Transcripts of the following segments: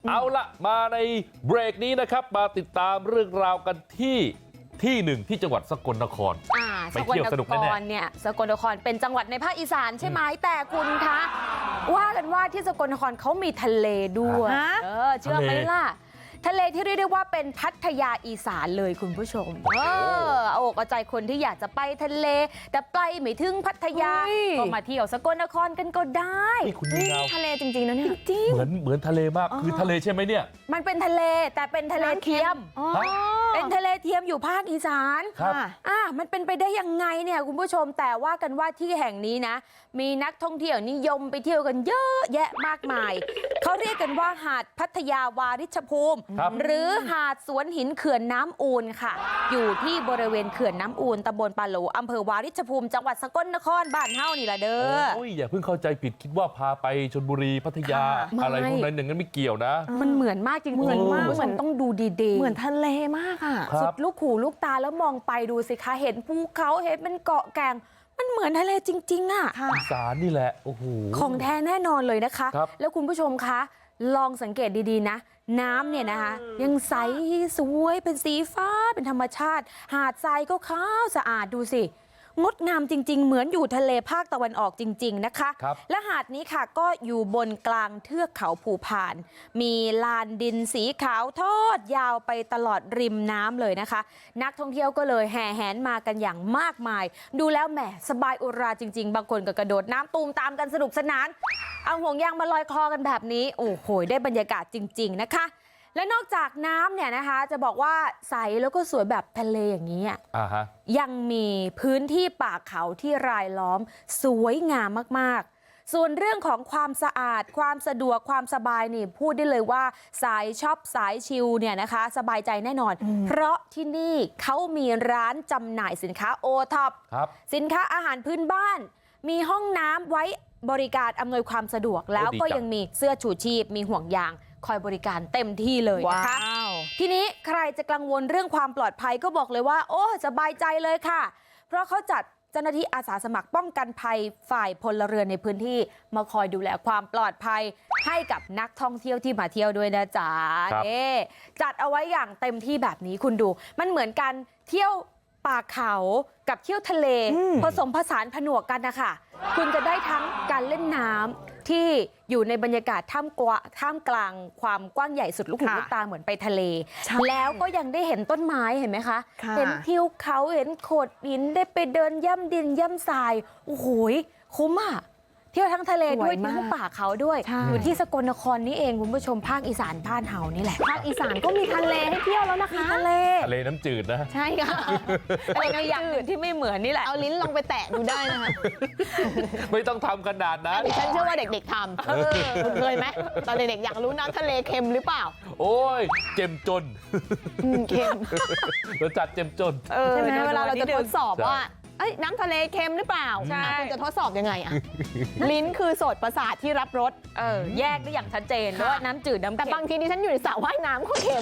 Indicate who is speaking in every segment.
Speaker 1: เอาละมาในเบรกนี้นะครับมาติดตามเรื่องราวกันที่หนึ่งที่จังหวัดสกลนครไปเที่ยวสนุกแน่ๆ
Speaker 2: เนี่ยสกลนครเป็นจังหวัดในภาคอีสานใช่ไหมแต่คุณคะว่ากันว่าที่สกลนครเขามีทะเลด้วยเชื่อไหมล่ะทะเลที่เรียกได้ว่าเป็นพัทยาอีสานเลยคุณผู้ชมเอาอกเอาใจคนที่อยากจะไปทะเลแต่ไปไม่ถึงพัทยาก็มาเที่ยวสกลนครกันก็ได้
Speaker 1: นี่
Speaker 2: ทะเลจริงๆนะเนี่ยจริง
Speaker 1: เหมือนทะเลมากคือทะเลใช่ไหมเนี่ย
Speaker 2: มันเป็นทะเลแต่เป็นทะเลเทียมเป็นทะเลเทียมอยู่ภาคอีสานมันเป็นไปได้ยังไงเนี่ยคุณผู้ชมแต่ว่ากันว่าที่แห่งนี้นะมีนักท่องเที่ยวนิยมไปเที่ยวกันเยอะแยะมากมายเขาเรียกกันว่าหาดพัทยาวาริชภูมิหรือหาดสวนหินเขื่อนน้ำอูนค่ะอยู่ที่บริเวณเขื่อนน้ำอูนตำบลปาโหลอำเภอวาริชภูมิจังหวัดสกลนครบ้านเฮานี่แหละเด้อ
Speaker 1: อย่าเพิ่งเข้าใจผิดคิดว่าพาไปชลบุรีพัทยาอะไรพวกนั้นอย่างนั้นไม่เกี่ยวนะ
Speaker 2: มันเหมือนมากจริงเหมือนมากเหมือนต้องดูดีๆ
Speaker 3: เหมือนทะเลมากอ่ะ
Speaker 2: สุดลูกหูลูกตาแล้วมองไปดูสิคะเห็นภูเขาเห็นเป็นเกาะแก่งมันเหมือนทะเลจริงๆอ่ะ
Speaker 1: อีสานนี่แหละโอ้โห
Speaker 2: ของแท้แน่นอนเลยนะคะแล้วคุณผู้ชมคะลองสังเกตดีๆนะน้ำเนี่ยนะคะยังใสสวยเป็นสีฟ้าเป็นธรรมชาติหาดทรายก็ขาวสะอาดดูสิงดงามจริงๆเหมือนอยู่ทะเลภาคตะวันออกจริงๆนะคะและหาดนี้ค่ะก็อยู่บนกลางเทือกเขาภูพานมีลานดินสีขาวทอดยาวไปตลอดริมน้ำเลยนะคะนักท่องเที่ยวก็เลยแห่แหนมากันอย่างมากมายดูแล้วแหมสบายอุราจริงๆบางคนก็กระโดดน้ำตูมตามกันสนุกสนานเอาห่วงยางมาลอยคอกันแบบนี้โอ้โหได้บรรยากาศจริงๆนะคะและนอกจากน้ำเนี่ยนะคะจะบอกว่าใสแล้วก็สวยแบบทะเลอย่างนี้ยังมีพื้นที่ป่าเขาที่รายล้อมสวยงามมากๆส่วนเรื่องของความสะอาดความสะดวกความสบายนี่พูดได้เลยว่าสายช็อปสายชิลเนี่ยนะคะสบายใจแน่นอนเพราะที่นี่เขามีร้านจำหน่ายสินค้าโอท็อปสินค้าอาหารพื้นบ้านมีห้องน้ำไว้บริการอำนวยความสะดวกแล้วก็ยังมีเสื้อชูชีพมีห่วงยางคอยบริการเต็มที่เลยนะคะทีนี้ใครจะกังวลเรื่องความปลอดภัยก็บอกเลยว่าโอ้สบายใจเลยค่ะเพราะเขาจัดเจ้าหน้าที่อาสาสมัครป้องกันภัยฝ่ายพลเรือนในพื้นที่มาคอยดูแลความปลอดภัยให้กับนักท่องเที่ยวที่มาเที่ยวด้วยนะจ๊ะจัดเอาไว้อย่างเต็มที่แบบนี้คุณดูมันเหมือนกันเที่ยวป่าเขากับเที่ยวทะเลผสมผสานผนวกกันนะคะคุณจะได้ทั้งการเล่นน้ำที่อยู่ในบรรยากาศท่ามกลางความกว้างใหญ่สุดลูกหูลูกตาเหมือนไปทะเลแล้วก็ยังได้เห็นต้นไม้เห็นไหมคะเห็นทิวเขาเห็นโขดหินได้ไปเดินย่ำดินย่ำทรายโอ้โหคุ้มอ่ะเที่ยวทั้งทะเลด้วยเที่ยวทั้งป่าเขาด้วยอยู่ที่สกลนครนี่เองคุณผู้ชมภาคอีสานบ้านเฮานี่แหละภาคอีสานก็มีทะเลให้เที่ยวแล้วนะคะทะเล
Speaker 1: น้ำจืดนะ
Speaker 2: ใช่ค่ะแต่ในอย่างอื่นที่ไม่เหมือนนี่แหละ
Speaker 3: เอาลิ้นลองไปแตะดูได้นะคะ
Speaker 1: ไม่ต้องทำขนาดนั้น
Speaker 3: ฉันเชื่อว่าเด็กๆทำคุณเคยไหมตอนเด็กๆอยากรู้น้ำทะเลเค็มหรือเปล่า
Speaker 1: โอ้ยเจ็มจน
Speaker 3: เค็ม
Speaker 1: เราจัดเจ็มจน
Speaker 3: ใช่ไหมเวลาเราจะทดสอบว่าน้ำทะเลเค็มหรือเปล่าคุณจะทดสอบยังไงอะลิ้นคือโสตประสาทที่รับรส
Speaker 2: แยกได้อย่างชัดเจนว่าน้ำจืดน้ำเค็ม
Speaker 3: แต่บางทีดิฉันอยู่ในสระว่ายน้ำก็เค็ม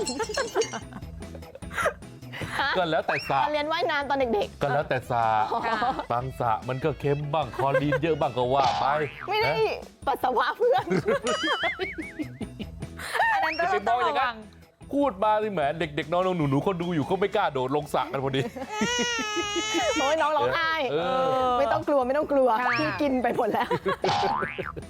Speaker 1: ก็แล้วแต่สระ
Speaker 3: เรียนว่ายน้ำตอนเด็ก
Speaker 1: ๆก็แล้วแต่สระบางสระมันก็เค็มบ้างคลอรีนเยอะบ้างก็ว่าไป
Speaker 3: ไม่ได้ปัสสาวะเพื่อน
Speaker 2: อันนั้นต้องระวัง
Speaker 1: พูดมาสิแหมเด็กๆน้องๆหนูๆเขาดูอยู่เขาไม่กล้าโดดลงสระกันพอดี
Speaker 3: โอ้ยน้องร้องไห้ไม่ต้องกลัวพี่กินไปหมดแล้ว